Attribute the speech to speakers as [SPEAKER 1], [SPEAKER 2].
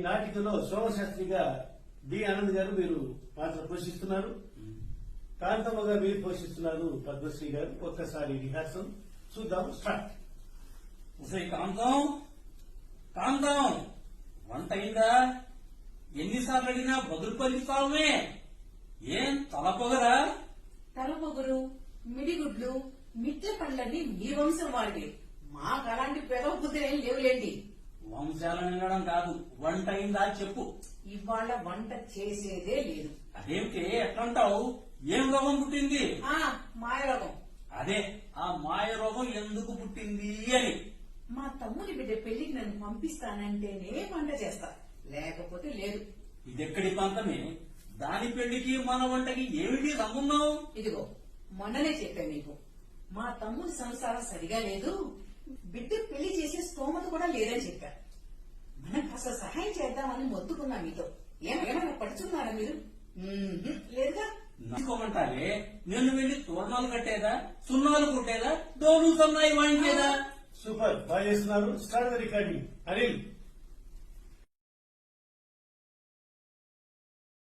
[SPEAKER 1] నాటికలో సోమశాస్త్రిగా D Anand గారు మీరు పాత్ర పోషిస్తున్నారు. కాంతమ్మగా మీరు పోషిస్తున్నారు పద్మశ్రీ గారు. ఒక్కసారి రిహార్సల్ చూద్దాం. స్టార్ట్.
[SPEAKER 2] కాంతం కాంతం, వంట అయిందా? ఎన్నిసార్లు అడిగినా బదులు పలిస్తావుమే. ఏం తలపొగరా?
[SPEAKER 3] తలపొగరు, మిడిగుడ్లు, మిట్ల పండ్లన్నీ మీ వంశం వాళ్ళవి. మాకు అలాంటి పెదవ బుద్ధులేం లేవులేండి.
[SPEAKER 2] వంశాలను వినడం కాదు, వంట అయిందా చెప్పు.
[SPEAKER 3] ఇవాళ వంట చేసేదే లేదు.
[SPEAKER 2] అదేమిటి ఎట్లంటావు? ఏం రోగం పుట్టింది?
[SPEAKER 3] మాయరోగం.
[SPEAKER 2] అదే ఆ మాయ రోగం ఎందుకు పుట్టింది అని.
[SPEAKER 3] మా తమ్ముని బిడ్డ పెళ్లికి నన్ను పంపిస్తానంటేనే వంట చేస్తా, లేకపోతే లేదు.
[SPEAKER 2] ఇదెక్కడి పంతమే? దాని పెళ్లికి మన వంటకి ఏమిటి సంబంధం?
[SPEAKER 3] ఇదిగో మొన్ననే చెప్పాను నీకు, మా తమ్ముని సంసారం సరిగా లేదు, బిడ్డ పెళ్లి చేసే స్తోమత కూడా లేదని చెప్పా. మనం కాస్త సహాయం చేద్దామని మొత్తుకున్నా మీతో. ఏమైనా పడుచున్నారా మీరు? లేదుగా.
[SPEAKER 2] నచ్చుకోమంటావే? నిన్ను వెళ్లి తోరణాలు కట్టేదా, సున్నాలు కుట్టేదా, డోలు సన్నాయి వాయించేదా?
[SPEAKER 1] సూపర్, బాగా చేస్తున్నారు. Start the recording. అనిల్